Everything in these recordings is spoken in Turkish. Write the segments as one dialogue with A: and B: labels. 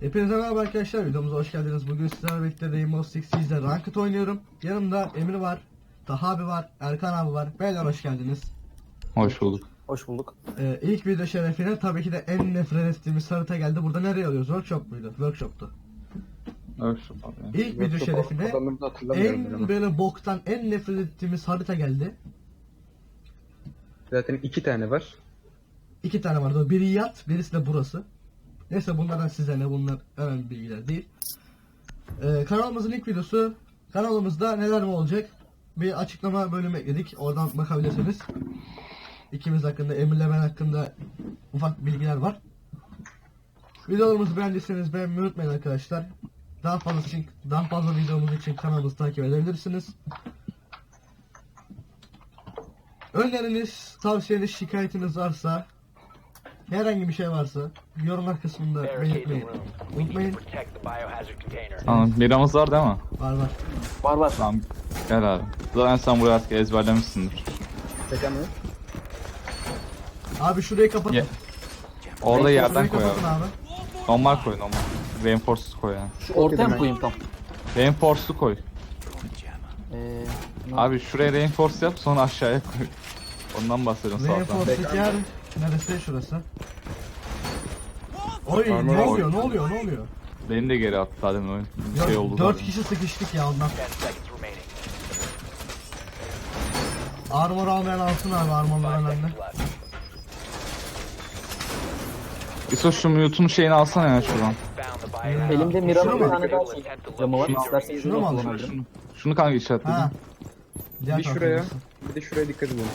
A: Hepinize merhaba arkadaşlar, videomuza hoş geldiniz. Bugün sizlerle birlikte Rainbow Six Siege'de Ranked oynuyorum. Yanımda Emir var, Taha abi var, Erkan abi var. Beyler hoş geldiniz.
B: Hoş bulduk.
C: Hoş bulduk.
A: İlk video şerefine tabii ki de en nefret ettiğimiz harita geldi. Burada nereye alıyoruz? Workshop muydu? Workshop'tu.
B: Workshop abi.
A: İlk video şerefine en böyle boktan, en nefret ettiğimiz harita geldi.
C: Zaten 2 tane var.
A: 2 tane vardı. Biri yat, birisi de burası. Neyse bunlardan size ne, bunlar önemli bilgiler değil. Kanalımızın ilk videosu. Kanalımızda neler mi olacak? Bir açıklama bölümü ekledik. Oradan bakabilirsiniz. İkimiz hakkında, Emir'le ben hakkında ufak bilgiler var. Videolarımızı beğendiyseniz beğenmeyi unutmayın arkadaşlar. Daha fazla videomuz için kanalımızı takip edebilirsiniz. Öneriniz, tavsiyeniz, şikayetiniz varsa, herhangi bir şey varsa yorumlar kısmında belirtmeyi unutmayın.
B: Tamam, biramız var değil mi?
A: Var.
C: Var.
B: Tamam, gel abi. Zaten sen burayı artık ezberlemişsindir.
C: Çeken mi?
A: Abi şurayı kapatın.
B: Ye- Orada yerden
A: Şurayı
B: koy
A: kapatın
B: abi.
A: abi.
B: Normal koy, normal. Reinforce'lu koy yani.
C: Şu ortaya mı koyayım tam?
B: Reinforce'lu koy.
C: Ee,
B: Abi şuraya reinforce yap, sonra aşağıya koy. Ondan bahsediyorum sağ alttan.
A: Reinforce'daki yer neresi şurası? Oy
C: Armor
A: ne
C: oyun.
A: oluyor?
B: Beni de geri attı zaten oyun. Bir şey oldu
A: 4
B: zaten.
A: kişi sıkıştık ya ondan. Armor almayan alsın abi, armorlar önemli.
B: İso şu mute'un şeyini alsana ya şuradan.
C: elimde
A: Şunu
C: Mira'nın
A: mu?
C: bir tane daha şey camı var. İsterseniz
A: Şunu
C: şunu
A: mu
C: mu
A: alacağım?
C: kullanabilirim?
B: Şunu kanka işaretledim.
A: Ha. Diğer
D: Bir
A: tarafa
D: şuraya,
A: gidiyorsun.
D: bir de şuraya dikkat edin.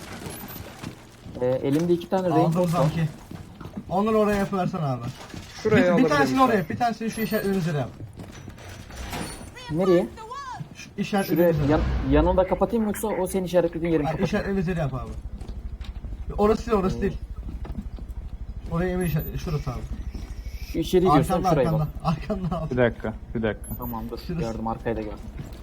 C: Elimde 2 tane
A: Aldım
C: reinforce var.
A: sanki. Onları oraya yapıversen abi.
D: Şuraya
A: Bir
D: alabilirim.
A: tanesini oraya, bir tanesini şu işaretlerin üzerine yap.
C: Nereye?
A: Şu işaretlerin
C: Şuraya
A: üzerine.
C: yanında kapatayım yoksa o senin işaretlediğin yerin
A: Hayır,
C: kapatayım.
A: işaretlerin üzerine yap abi. Orası değil. Oraya Emir işaret, şurası abi.
C: Şu içeri diyorsan şuraya bak.
A: Arkanda abi.
B: Bir dakika.
C: Tamamdır.
A: Şurası.
C: Gördüm, arkayı da gördüm.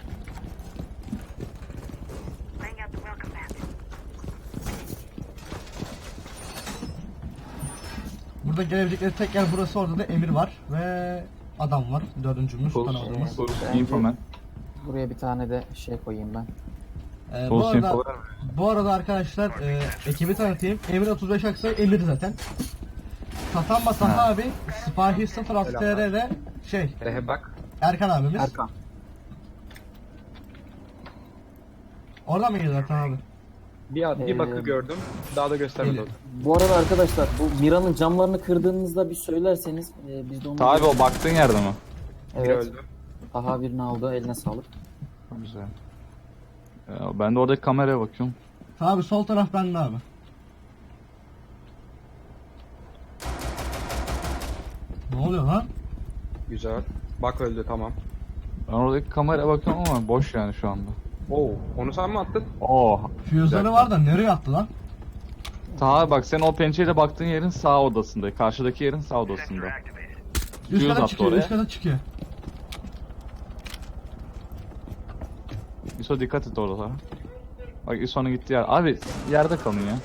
A: Burada gelebilecekleri tek yer burası, orada da Emir var ve adam var. Dördüncümüz tanımadığımız.
B: Soru info man.
C: Buraya bir tane de şey koyayım ben.
A: Bu arada arkadaşlar ekibi tanıtayım. Emir 35 Aksoy, Emir zaten. Tatanma Taha abi, Sipahi 06 TR'de
D: Bak.
A: Erkan abimiz.
C: Erkan.
A: Oradan mı geliyor Erkan abi?
D: Bir bakı gördüm. Daha da göstermedi.
A: Geliyor.
C: Bu arada arkadaşlar bu Mira'nın camlarını kırdığınızda bir söylerseniz biz de onu...
B: Tabi o baktığın yerde mi?
D: Biri
C: Evet.
D: öldü.
C: Daha birini aldı, eline sağlık.
B: Güzel. Ya ben de oradaki kameraya bakıyorum.
A: Abi sol taraf bende abi. Ne oluyor lan?
D: Güzel. Bak öldü, tamam.
B: Ben oradaki kameraya bakıyorum ama boş yani şu anda.
D: Oo, onu sen mi attın?
B: Oo.
A: Füzeleri var da nereye attı lan?
B: Taha bak, sen o pençeyle baktığın yerin sağ odasında. Karşıdaki yerin sağ odasında.
A: Üst
B: Füze
A: kata
B: attı
A: çıkıyor,
B: oraya.
A: üst kata çıkıyor.
B: İso dikkat et orada. Bak İso'nun gittiği yer. Abi yerde kalın ya.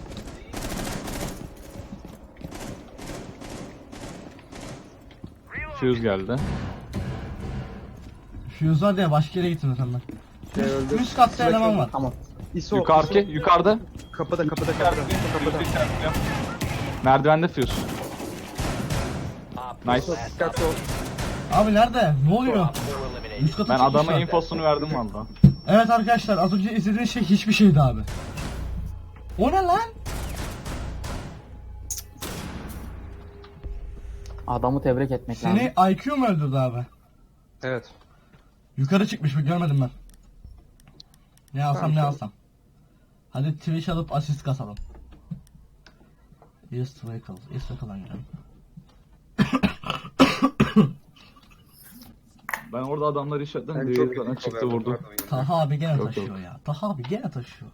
B: Fuse geldi.
A: Füze var diye başka yere gittin zaten ben.
D: Öldü.
A: Üst katta eleman var.
C: Tamam.
D: İso,
B: Yukarıda.
D: Kapıda.
B: Merdivende Fuse. Nice.
D: Dikkatli ol.
A: Abi nerede? Ne oluyor? Üst kata
B: Ben
A: çıkmışlar.
B: adama infosunu verdim valla.
A: Evet arkadaşlar, az önce izlediğiniz şey hiçbir şeydi abi. O ne lan?
C: Adamı tebrik etmek lazım.
A: Seni IQ mu öldürdü abi?
D: Evet.
A: Yukarı çıkmış mı, görmedim ben. Ne alsam
D: Tamam,
A: ne
D: tamam.
A: alsam. Hadi Twitch alıp asist kasalım. Yes Vehicle. Yes Vehicle'dan girelim.
B: Ben orada adamları işaretledim.
D: Ben
B: Diğeri
D: çok
B: zaten
D: kötü
B: çıktı
D: kovalardım,
B: vurdu.
D: pardon ya.
A: Taha abi gene
B: Yok,
A: taşıyor
B: yok.
A: ya. Taha abi gene taşıyor.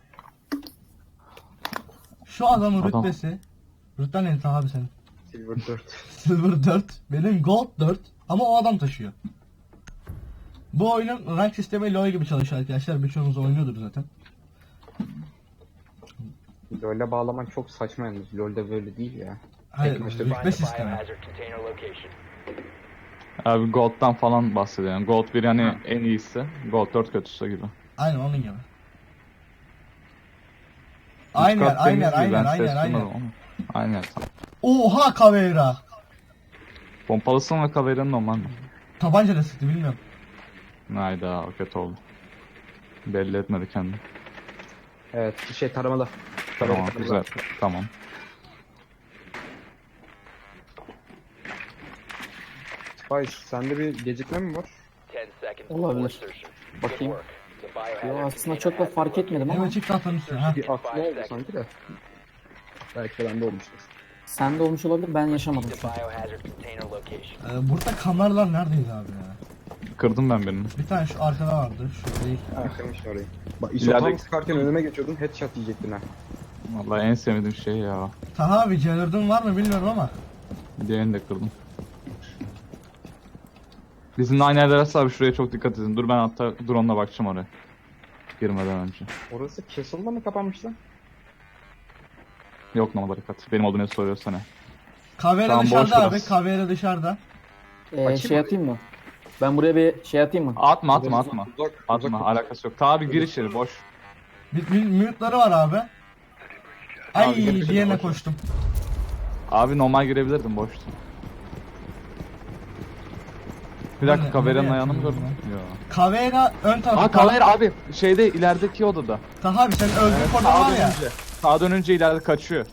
A: Şu adamın
B: Adam.
A: rütbesi. Rütben ne Taha abi senin?
D: Silver 4.
A: Silver 4. Benim Gold 4. Ama o adam taşıyor. Bu oyunun rank sistemi LoL gibi çalışıyor arkadaşlar. Birçoğunuz oynuyordur zaten.
D: LoL'e bağlaman çok saçma yalnız. LoL'de böyle değil ya.
A: Hayır,
D: Eklemiştir.
A: rütbe sistemi.
E: Biohazard container location.
B: Abi Gold'dan falan bahsediyorum. Gold 1 yani en iyisi. Gold 4 kötüsü gibi.
A: Aynen onun gibi. Aynen, aynen, aynen, aynen, aynen.
B: Aynen.
A: Oha Caveira.
B: Pompalısın ve Caveira'nın normal mi?
A: Tabancayla sıktı bilmiyorum.
B: Hayda o kötü oldu. Belli etmedi kendini.
D: Evet taramalı.
B: Tamam
D: Taramalı.
B: güzel. Tamam.
D: Spice sende bir gecikme mi var?
E: 10 seconds
C: Olabilir.
E: before insertion. Good
C: Bakayım.
E: work. The biohazard
C: Yo, aslında
E: container
C: çok da
E: has
C: fark
E: been
C: etmedim ama
A: Hemen çık tahtanın üstüne. Ha.
D: Bir aklı oldu sanki de. Belki de bende olmuştur.
C: sende olmuş olabilir, ben yaşamadım
E: The
C: şu an.
E: biohazard container location.
A: Burada kameralar neredeydi abi ya?
B: Kırdım ben birini.
A: Bir tane şu arkada vardı. Şu değil.
D: Ha kırmışsın orayı. Bak
B: İleride-
D: isotam sıkarken önüme geçiyordun headshot yiyecektin ha.
B: Vallahi en sevmediğim şey ya.
A: Taha abi Celerdin var mı bilmiyorum ama.
B: Diğerini de kırdım. Bizimle aynı yerler abi, şuraya çok dikkat edin. Dur ben hatta drone'la bakacağım oraya. Girmeden önce.
D: Orası Castle'da mı kapanmış lan?
B: Yok normal dikkat. Benim olduğunu soruyorsan ne?
A: Caveira
B: Tamam, boş
A: dışarıda abi.
B: biraz.
A: Caveira dışarıda.
C: Şey atayım mı? Ben buraya bir şey atayım mı?
B: Atma atma atma.
D: Uzak,
B: Atma alakası yok. Tabi gir içeri boş.
A: Bir mute'ları var abi. Ay
B: Abi, gel-
A: diğerine koştum.
B: Abi normal girebilirdim boştu. Bir dakika
A: Nerede-
B: Caveira'nın
A: nereye
B: ayağını mı
A: atıyorsun
B: gördün? Yok.
A: Caveira ön tarafta.
B: Aa Caveira abi şeyde ilerideki odada.
A: Taha abi senin öldüğün koridor
B: Sağa
A: var ya.
B: dönünce. Sağa dönünce ileride kaçıyor.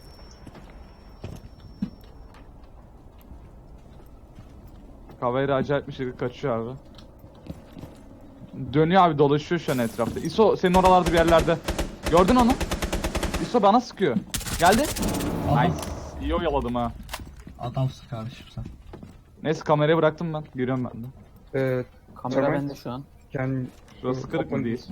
B: Caveira acayip bir şekilde kaçıyor abi. Dönüyor abi dolaşıyor şu an etrafta. ISO senin oralarda bir yerlerde. Gördün onu? ISO bana sıkıyor. Geldi.
A: Adam,
B: Nice. İyi oyaladım ha.
A: adamsın kardeşim sen.
B: Neyse kamerayı bıraktım ben. Giriyorum ben de.
C: Kamera
D: Tamam.
C: bende şu an.
D: Yani
B: Şurası kırık mı değil?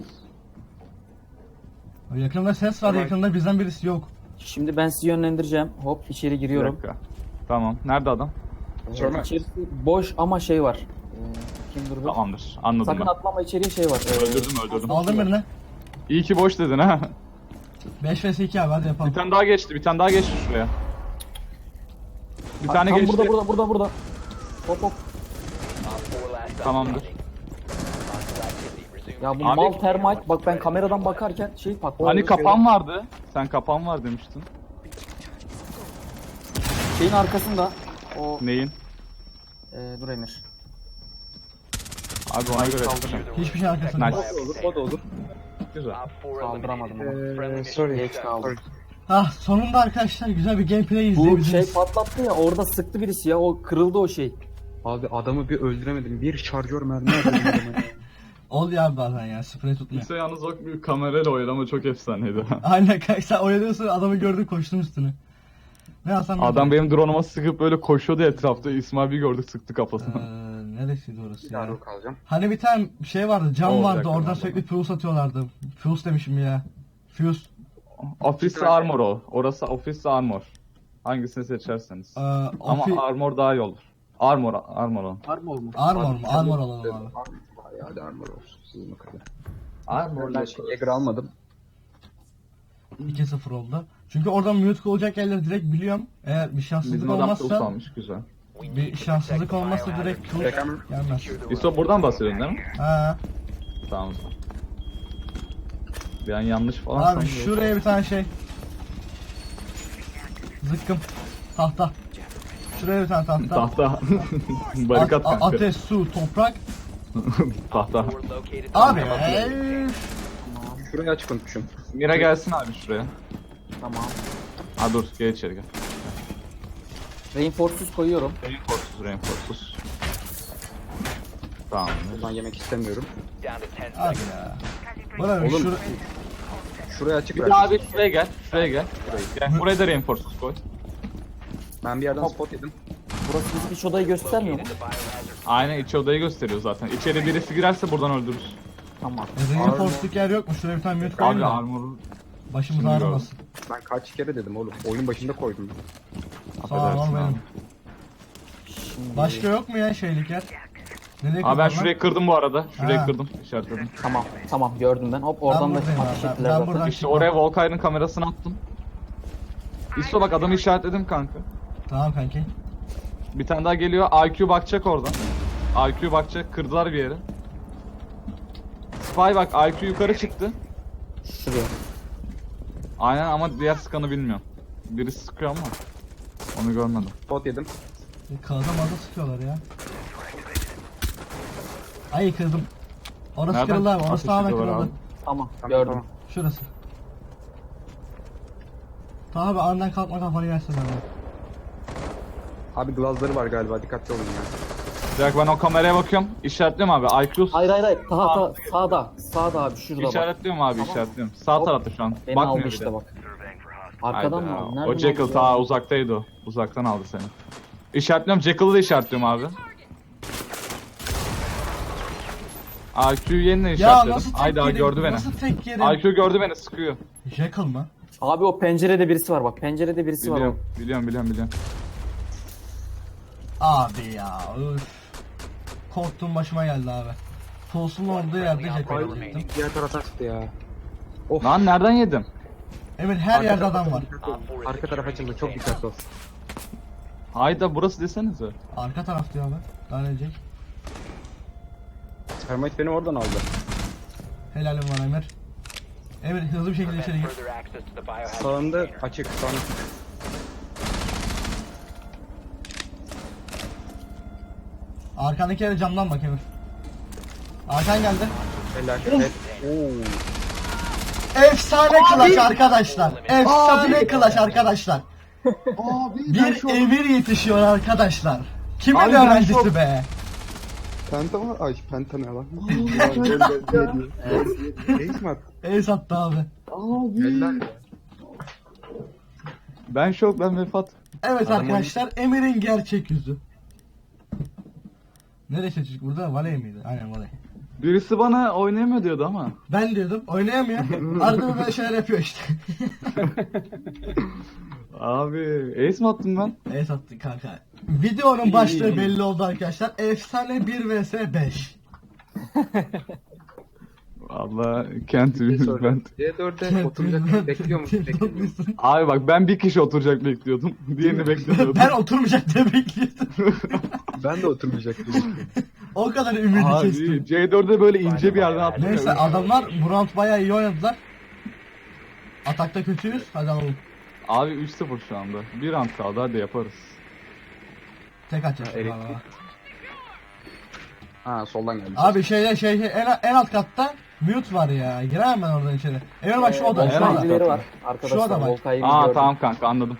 A: Yakında ses var,
D: Tamam.
A: yakında bizden birisi yok.
C: Şimdi ben sizi yönlendireceğim. Hop içeri
B: Bir
C: giriyorum.
B: dakika. Tamam. Nerede adam?
D: Sorma.
C: İçerisi boş ama şey var. Kim durdu?
B: Tamamdır. Anladım
C: Sakın
B: ben.
C: atlama, içeriye şey var.
B: Öldürdüm.
A: Aldım birini.
B: İyi ki boş dedin ha.
A: 5 vs 2 abi hadi yapalım.
B: Bir tane daha geçti şuraya. Bir tane
C: Tam
B: geçti.
C: burada. Hop hop.
E: Op 4 last stop
B: Tamamdır.
E: standing. Hostile activity. Resume
C: Ya bu
B: Abi-
C: mal termite, bak ben kameradan bakarken şey patladı.
B: Hani kapan vardı. Sen kapan var demiştin.
C: Şeyin arkasında. O
B: Neyin?
C: dur Emir.
B: Abi ona göre.
A: Hiçbir şey arkasında.
B: Nice.
D: O da olur, o da olur.
B: Güzel.
E: Op 4
C: Kaldıramadım
E: eliminated.
C: ama.
E: Friendly mission
D: Sorry.
C: Geç kaldım.
D: Sorry.
A: Ah sonunda arkadaşlar güzel bir gameplay
C: Bu
A: izleyebiliriz.
C: şey patlattı ya, orada sıktı birisi ya, o kırıldı o şey.
D: Abi adamı bir öldüremedim. Bir şarjör mermi atıyordum adama.
A: Oluyor abi bazen ya sprey tutmuyor.
B: İşte yalnız o bir kamerayla oynama çok efsaneydi.
A: Aynen kanka sen oynuyorsun adamı gördün koştun üstüne. Ne Hasan?
B: Adam benim drone'uma sıkıp böyle koşuyordu etrafta. İsmail bir gördük sıktı kafasına.
A: Neresiydi orası
D: Bir
A: ya?
D: daha rol alacağım.
A: Hani bir tane şey vardı cam
B: Olacak
A: vardı oradan
B: tamam.
A: sürekli fuse atıyorlardı. Fuse demişim ya. Fuse.
B: Office Armor o. Orası Office Armor. Hangisini seçerseniz. Ama Armor daha iyi olur. Armor o.
C: Armor mu?
A: Armor mu? Armor alalım abi.
D: Bayağı da armor olsun. Sizin o kadar.
B: Armor
D: Ben Jäger almadım.
A: 2-0 oldu. Çünkü oradan mute olacak yerleri direkt biliyorum. Eğer bir şanssızlık
B: Bizim adam Fuse
A: olmazsa
B: almış güzel.
A: bir şanssızlık olmazsa direkt fuse
D: Bakalım.
A: gelmez.
B: İso buradan bahsediyorsun değil mi?
A: Ha.
B: Tamam. Bir an yanlış falan
A: Abi
B: sandım.
A: şuraya bir tane şey. Zıkkım. Tahta. Şuraya bir tane tahta.
B: Tahta. Barikat kanka.
A: Ateş, su, toprak.
B: Tahta.
E: 4 located.
A: Abi
D: Şurayı açık unutmuşum.
B: Mira gelsin abi şuraya.
C: Tamam.
B: Ha dur gel içeri gel.
C: Reinforce'suz koyuyorum.
B: Reinforce'suz. Tamam.
D: Ben yemek istemiyorum.
E: Down to 10
A: Abi
E: seconds.
A: ya. Bana bir
D: Oğlum, Şurayı açık
B: Bir
D: ver.
B: daha abi şuraya gel. Şuraya gel. Gel. Buraya da reinforce'suz koy.
D: Ben bir yerden spot yedim.
C: Burası bizim iç odayı göstermiyor mu?
E: Located the biohazard.
B: Aynen iç odayı gösteriyor zaten. İçeri birisi girerse buradan öldürürüz.
C: Tamam.
A: reinforce'luk yer yok mu? Şuraya bir tane mute koyayım
B: Abi
A: da.
B: armor'u
A: Başımız
B: Şimdi
A: ağrımasın.
D: Ben kaç kere dedim oğlum. Oyun başında koydum.
A: Sağ ol
B: affedersin
A: benim.
B: abi.
C: Şimdi...
A: Başka yok mu ya şeylik yer? Nereye
B: Abi ben
A: koyalım
B: şurayı kırdım bu arada. Şurayı
A: Ha.
B: kırdım. İşaretledim.
C: Tamam gördüm ben. Hop oradan da
A: buradayım
C: ateş
A: abi,
C: ettiler
A: ben
C: zaten.
A: buradan-
B: İşte oraya Volkay'ın kamerasını attım. İso bak adamı işaretledim kanka.
A: Tamam kanki.
B: Bir tane daha geliyor. IQ bakacak oradan. IQ bakacak. Kırdılar bir yere. Spy bak, IQ yukarı çıktı.
C: Şuraya.
B: Aynen ama diğer sıkanı bilmiyorum. Birisi sıkıyor ama onu görmedim.
D: Bot yedim.
A: Kağıda mazda sıkıyorlar ya. Ay kırdım. Orası
B: Nereden
A: kırıldı abi. Orası
B: ateş
A: tamamen
B: ediyorlar
A: kırıldı.
B: abi?
C: Tamam,
D: Tamam,
C: gördüm.
D: tamam.
A: Şurası. Tamam abi andan kalkma kafanı yersin abi.
D: Abi glazları var galiba, dikkatli olun ya.
B: Direkt ben o kameraya bakıyorum. İşaretliyorum abi. IQ
C: Hayır hayır hayır. Sağda. Sağda abi şurada bak.
B: işaretliyorum abi, işaretliyorum. Sağ
C: Hop.
B: tarafta şu an.
C: Beni
B: Bakmıyor
C: aldı
B: bir
C: işte
B: de.
C: bak. Arkadan
B: Hayda.
C: mı aldı? Nereden
B: O Jekyll
C: aldı
B: ta
C: ya?
B: uzaktaydı o. Uzaktan aldı seni. İşaretliyorum. Jekyll'ı da işaretliyorum abi. IQ'yu yeniden
A: Ya
B: işaretledim.
A: nasıl tek
B: Hayda
A: yedim?
B: gördü beni.
A: Nasıl tek yedim?
B: IQ gördü beni, sıkıyor.
A: Jekyll mı?
C: Abi o pencerede birisi var bak. Pencerede birisi var.
B: Biliyorum.
A: Abi ya üf. Korktuğum başıma geldi abi. Puls'un olduğu yerde Jekyll'ı çektim.
D: Diğer tarafa çıktı ya.
B: Lan nereden yedim?
A: Evet her yerde adam var.
D: Arka taraf açıldı, çok dikkatli ol.
B: Hayda burası desenize.
A: Arka taraf diyor abi. Daha ne diyecek?
D: Termite beni oradan aldı.
A: Helalim var Emir. Emir hızlı bir şekilde içeri gir.
E: Further access to the biohazard
D: Sağında
E: container.
D: açık, sağında.
A: Arkandaki yere camdan bak Emir. Arkan geldi.
D: Helal. Evet.
A: Efsane clutch arkadaşlar. Efsane clutch arkadaşlar. Bir Emir yetişiyor arkadaşlar. Kimin
B: Abi ben
A: öğrencisi
B: çok-
A: be?
D: Penta mı? Ay penta ne lan? Reis mi attı?
A: Ace attı abi.
D: Helal.
B: Ben şok, ben vefat.
A: Evet arkadaşlar Emir'in gerçek yüzü. Nereye çocuk burada? Valey miydi? Aynen Valey.
B: Birisi bana oynayamıyor diyordu ama.
A: Ben diyordum oynayamıyor. Arada böyle şeyler yapıyor işte.
B: Abi ace mi attım ben?
A: Ace attı kanka. Videonun başlığı belli oldu arkadaşlar. Efsane 1 vs 5.
B: Valla can't win ben.
D: C4'e oturacak bekliyor musun? Bekliyor musun?
B: Abi bak ben bir kişi oturacak bekliyordum. Diğerini beklemiyordum.
A: Ben oturmayacak diye bekliyordum.
D: Ben de oturmayacaktım.
A: O kadar ümidi
B: Abi
A: kestim.
B: C4'e böyle ince bir yerden attım.
A: Neyse adamlar bu round bayağı iyi oynadılar. Atakta kötüyüz. Hadi alalım.
B: Abi 3-0 şu anda. Bir round kaldı, hadi yaparız.
A: Tek atacağız.
D: Evet.
A: Valla.
D: Ha soldan geldi.
A: Abi en alt katta mute var ya. Giremem ben oradan içeri. Emir bak şu oda. Şu
B: Volkan
A: oda.
C: Volkay'cıları var.
A: Şu
C: Arkadaşlar
A: adam bak.
C: Volkay'ı
B: Aa
C: gördüm.
B: tamam kanka, anladım.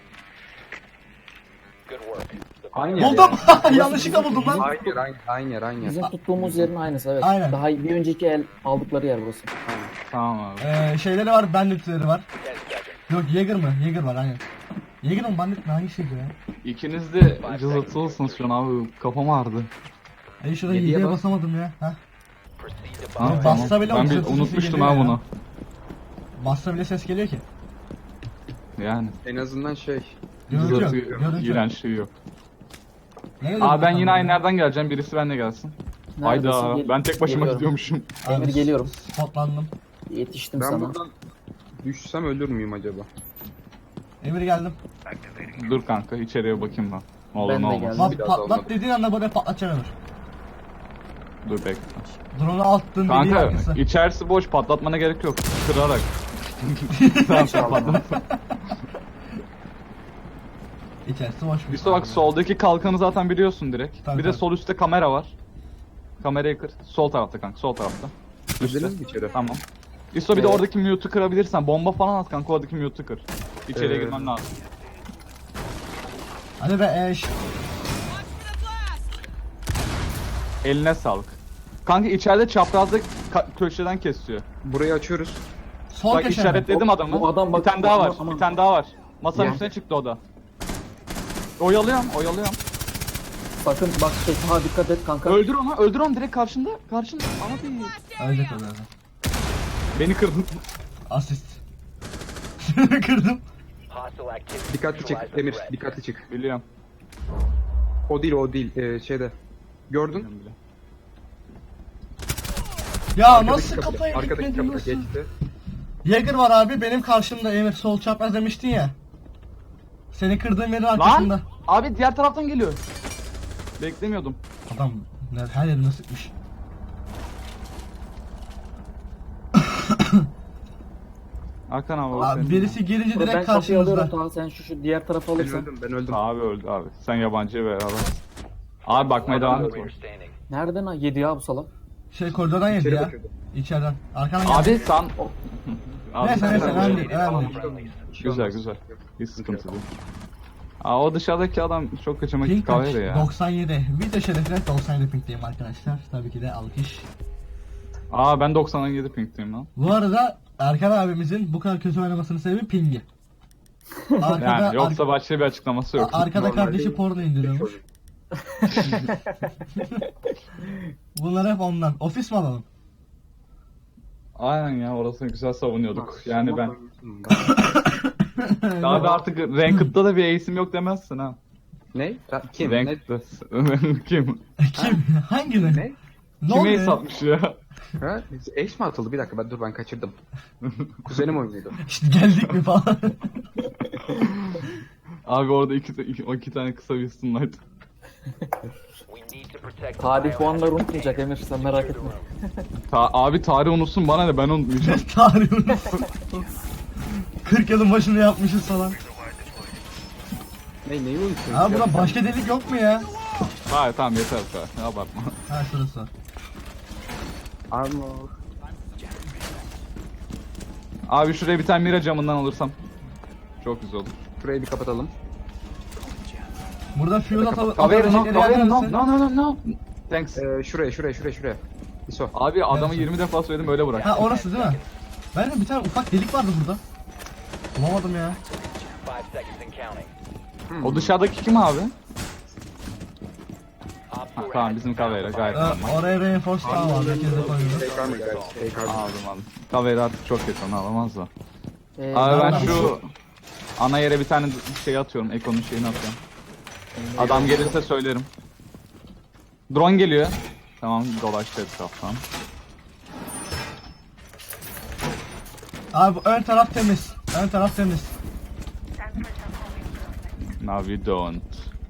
E: Good work. The
D: Aynı yer.
A: Buldum. Yanlışlıkla buldum lan.
D: Aynı yer.
C: Bizim tuttuğumuz yerin aynısı evet.
A: Aynen.
C: Daha bir önceki el aldıkları yer burası.
B: Tamam abi.
A: Şeyleri var. Banditleri var.
E: 10 seconds.
A: Yok Jäger mı? Jäger var aynen. Jäger mi bandit mi? Hangisiydi ya?
B: İkiniz de cızırtılısınız şu an abi. Kafam ağrıdı.
A: Şurada
D: Yediye
A: 7'ye
D: bas.
A: basamadım ya. Heh.
E: Proceed to
B: Ha,
A: Abi
B: tamam.
A: bassa bile
B: Ben bir
A: otuz
B: unutmuştum
A: geliyor
B: ha
A: ya.
B: bunu.
A: Bassa bile ses geliyor ki.
B: Yani.
D: En azından şey.
A: Görüntü yok.
B: Cızırtı,
A: Görüntü yok.
B: iğrenç şey yok.
A: Nerede
B: Aa ben
A: bakalım
B: yine
A: ya?
B: aynı nereden geleceğim, birisi benimle gelsin.
C: Neredesin?
B: Hayda
C: Gel-
B: ben tek başıma
C: geliyorum.
B: gidiyormuşum.
A: Abi,
C: Emir geliyorum.
A: Spotlandım.
C: Yetiştim
D: Ben
C: sana.
D: buradan düşsem ölür müyüm acaba?
A: Emir geldim.
B: Dur kanka içeriye bakayım ben. Ne olur
C: Ben
B: ne
C: de
B: olmaz.
C: geldim.
A: Bak
D: biraz
A: patlat
D: olmadı.
A: dediğin anda böyle patlatacağım Emir.
B: Dur bekle.
A: Drone'u attın dediğin
B: Kanka
A: arkası.
B: içerisi boş, patlatmana gerek yok. Kırarak. Tamam sen patlat.
A: İçerisi boş mu?
B: İşte bak soldaki kalkanı zaten biliyorsun direkt.
A: Tabii,
B: Bir de
A: tabii.
B: sol üstte kamera var. Kamerayı kır. Sol tarafta kanka, sol tarafta.
D: Girdiniz mi içeri?
B: Tamam. İso bir de
C: Evet.
B: oradaki mute'u kırabilirsen, bomba falan at kanka, oradaki mute'u kır. İçeriye
D: Evet.
B: girmem lazım.
A: Hadi be eş.
B: Eline sağlık. Kanka içeride çaprazda köşeden kesiyor.
D: Burayı açıyoruz.
A: Sol
B: Bak
A: köşe.
B: işaretledim adamı.
C: Bu adam
B: bir
C: bak-
B: tane daha var.
C: aman.
B: Bir tane daha var. Masanın
C: Ya.
B: üstüne çıktı o da. Oyalıyorum.
C: Sakın bak ha dikkat et kanka.
B: Öldür onu direkt karşında. Karşında. Abi.
A: Ölecek o zaten.
B: Beni kırdın.
A: Asist. Kırdım.
E: hostile activity.
D: Dikkatli çık
E: Neutralize the
D: Emir,
E: threat.
D: dikkatli çık.
B: Biliyorum.
D: O değil. Şeyde. Gördün?
A: Ya
D: Arkadaki
A: nasıl
D: kapıda,
A: kafaya
D: arkadaki
A: gitmedin
D: kapıda
A: nasıl?
D: geçti.
A: Jäger var abi benim karşımda Emir sol çapraz demiştin ya. Seni kırdığım yerin arkasında.
B: Lan! Abi diğer taraftan geliyor. Beklemiyordum.
A: Adam her yerine sıkmış.
B: Hakan abi.
A: Abi, birisi gelince
C: Ben
A: direkt
C: kapıyı alıyorum
A: karşımızda.
C: Taha, sen şu diğer tarafı
D: Ben
C: alırsan.
D: öldüm, ben öldüm.
B: Abi öldü abi. Sen yabancıya ver abi. Abi bakmaya devam et.
E: Operator standing.
C: Nereden ha? Yedi ya bu salak.
A: Şey koridordan yedi
D: İçeri
A: ya.
D: bakıyordum.
A: İçeriden. Arkadan geldi.
B: Abi sen... Abi,
A: Neyse
B: sen-
A: neyse
E: All
A: önemli değil. Önemli değil.
E: friendlies.
B: Güzel güzel. Hiç sıkıntı değil. Aa, o dışarıdaki adam çok kaçamak
A: Pink kaç?
B: kahve ya.
A: 97. Video şerefine 97 pinkteyim arkadaşlar. Tabii ki de alkış.
B: Aa ben 97 pinkteyim lan.
A: Bu arada Erkan abimizin bu kadar kötü oynamasının sebebi pingi. Arkada,
B: Yani yoksa başka bir açıklaması yok.
A: arkada
D: Normalde
A: kardeşi porno indiriyormuş. Bunlar hep ondan. Ofis mi alalım?
B: Aynen ya orasını güzel savunuyorduk. Yani ben... Abi artık Ranked'da da bir ace'im yok demezsin ha.
D: Ne? Kim? Ne?
B: Ranked'da. Kim?
A: Kim? Hangini?
D: Ne?
A: Ne
B: Kim
A: oluyor?
B: ace atmış ya?
D: Ha? Ace mi atıldı? Bir dakika dur ben kaçırdım. Kuzenim oynuyordu.
A: İşte geldik mi falan.
B: Abi orada iki tane kısa bir sunlight.
E: We need to protect the
C: Tarih
E: biohazard
C: puanları unutmayacak Emir, sen merak etme.
B: Abi tarih unutsun bana ne ben unutmayacağım.
A: Tarih unutsun. 40 yılın başını yapmışız falan.
D: Neyi unutuyorsun?
A: Abi burada başka delik yok mu ya?
B: Hayır tamam yeter ne abartma.
A: Ha şurası var.
D: Armor.
B: Abi şuraya bir tane mira camından alırsam. Çok güzel olur.
D: Şurayı bir kapatalım.
A: Burada fuel atalım.
B: Kaveri no. Thanks.
D: Şuraya. İso.
B: Abi adamı 20 defa söyledim öyle bırak.
A: Ha orası değil mi? Ben de bir tane ufak delik vardı burada. Bulamadım ya.
E: 5 seconds and counting.
B: O dışarıdaki kim abi?
E: Op
B: Ha,
E: 4
B: tamam
E: has
B: bizim
E: the
B: Kavera gayet
A: Ee,
B: normal.
A: oraya reinforce daha var. Herkes de koyuyor.
D: Take armor guys. Take armor.
B: Aldım. Kavera artık çok kötü onu alamaz da. Abi
C: nereden-
B: ben şu ana yere bir tane şey atıyorum. Eko'nun şeyini atıyorum. Adam gelirse söylerim. Drone geliyor. Tamam dolaştı etraftan.
A: Abi bu ön taraf temiz. Ön taraf temiz.
B: Now we don't.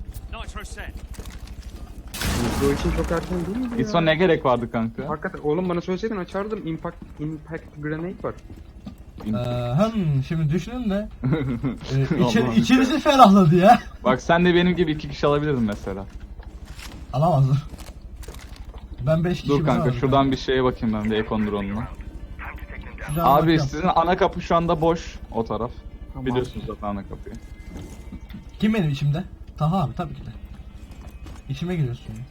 D: Bu için çok erken değil mi?
B: İsvan ne gerek vardı kanka?
D: Hakikaten oğlum bana söyleseydin açardım. Impact grenade var.
A: Şimdi düşünün de içimizi ferahladı ya.
B: Bak sen de benim gibi 2 kişi alabilirdin mesela.
A: Alamazdım. Ben 5 kişi
B: Dur
A: bile
B: kanka
A: aldım.
B: şuradan bir şeye bakayım ben de Ekon drone'una.
A: Şuradan
B: Abi
A: bakıyorum.
B: sizin ana kapı şu anda boş o taraf.
C: Tamam.
B: Biliyorsunuz zaten ana kapıyı.
A: Kim benim içimde? Taha abi tabii ki de. İçime giriyorsun. ya.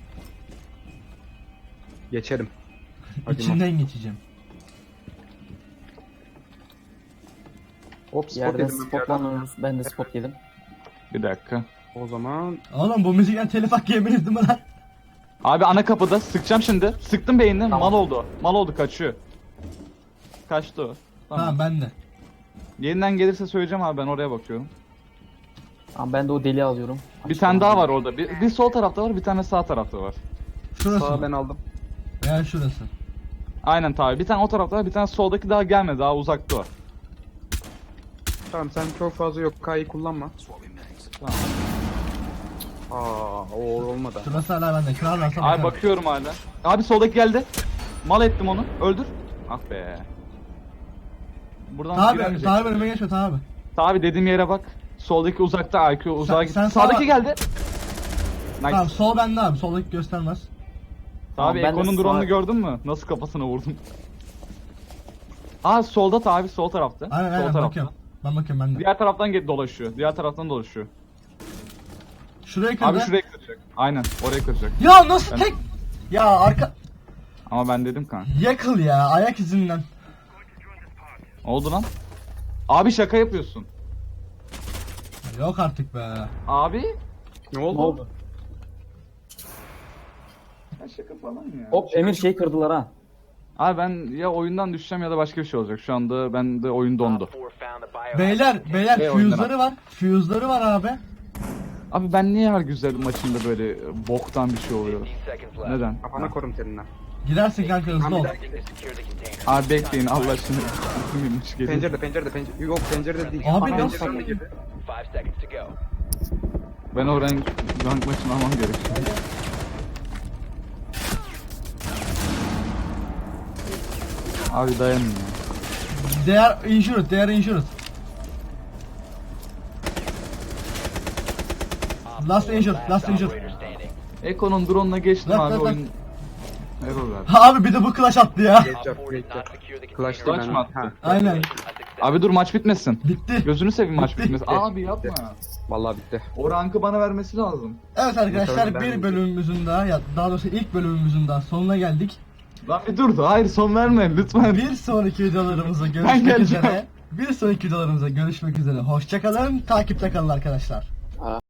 D: Geçerim. Hadi
A: İçinden geçeceğim.
D: Hop spot
C: Yerden
D: yedim ben bir yerden.
C: spotlanıyoruz. Ben de spot yedim.
B: Bir dakika.
D: O zaman
A: Oğlum bu müzikten telif hakkı yeminiz değil mi lan?
B: Abi ana kapıda sıkacağım şimdi. Sıktım beynini. Mal oldu. Mal oldu kaçıyor. Kaçtı o. Tamam.
A: Tamam ben de.
B: Yeniden gelirse söyleyeceğim abi ben oraya bakıyorum.
C: Tamam, ben de o deliği alıyorum.
B: Bir tane daha var orada. Bir sol tarafta var bir tane sağ tarafta var.
A: Şurası.
D: sağa ben aldım.
A: Veya şurası.
B: Aynen tabi. Bir tane o tarafta var bir tane soldaki daha gelmedi daha uzakta var.
D: Tamam sen çok fazla yok K'yı kullanma.
B: Tamam.
D: O olmadı.
A: Şurası hala bende. Kırarlarsa
B: Abi
A: bakarım.
B: bakıyorum hala. Abi soldaki geldi. Mal ettim onu. Öldür. Ah be. Buradan
A: Taha abi,
B: giremeyecek.
A: Taha abi önüme geçme Taha abi.
B: Tabi dediğim yere bak. Soldaki uzakta IQ uzağa gitti.
A: sen
B: Sağdaki
A: sağa-
B: geldi. Nice.
A: Tamam sol bende abi. Soldaki göstermez.
C: Tamam,
B: Abi
C: ben de
B: Eko'nun
C: sağ-
B: drone'unu gördün mü? Nasıl kafasına vurdum. Aa solda tabi sol tarafta.
A: Aynen
B: sol
A: aynen
B: tarafta.
A: bakıyorum. Ben bakıyorum ben de.
B: Diğer taraftan dolaşıyor. Diğer taraftan dolaşıyor.
A: Şuraya kırdı.
B: Abi şuraya kıracak. Aynen oraya kıracak.
A: Ya nasıl
B: Ben-
A: tek? Ya arka...
B: Ama ben dedim kanka.
A: Yakıl ya ayak izinden.
B: Oldu lan. Abi şaka yapıyorsun.
A: Yok artık be.
B: Abi.
D: Ne
C: Ne
D: oldu?
C: oldu?
B: Ya şaka falan ya.
C: Hop Emir şey kırdılar ha.
B: Abi ben ya oyundan düşeceğim ya da başka bir şey olacak. Şu anda bende oyun dondu.
E: Op 4 found the biohazard
A: Beyler
B: Şey oyundan
A: fuse'ları var. Fuse'ları var abi.
B: Abi ben niye her güzel maçında böyle boktan bir şey oluyor?
E: 15 seconds left.
B: Neden?
D: Kafana korum seninle.
A: Gidersin kanka hızlı ol.
E: Attempting to secure the container.
B: Abi bekleyin Allah aşkına. Kimmiş geliyor.
D: Pencere. Yok pencerede değil.
A: Abi
D: Pencereden
A: nasıl?
D: de girdi.
E: 5 seconds to go.
B: Ben o rank maçını almam gerekiyor. Abi dayanın ya.
A: They are insured, they are insured. Last injured, last injured.
E: Operator standing.
B: Eko'nun drone'una geçtim
A: Bak,
B: abi
A: bak, bak.
B: oyun. Error verdi.
A: Abi bir de bu clutch attı ya.
D: Geç
E: Op
D: yap,
E: 4
D: geç
E: did
D: yap.
E: not secure the
D: Clutch
E: container.
B: Clutch mı attı?
A: Aynen.
E: A success.
B: Abi dur maç bitmesin.
A: Bitti.
B: Gözünü seveyim maç
A: Bitti.
B: bitmesin. Abi yapma.
D: Vallahi bitti.
B: O rankı bana vermesi lazım.
A: Evet arkadaşlar
D: Bakalım ben-
A: bir bölümümüzün daha ya daha doğrusu ilk bölümümüzün daha sonuna geldik.
B: Lan bir dur da hayır son verme lütfen.
A: Bir sonraki videolarımıza
B: Ben
A: görüşmek
B: geleceğim.
A: üzere. Bir sonraki videolarımıza görüşmek üzere. Hoşça kalın. Takipte kalın arkadaşlar.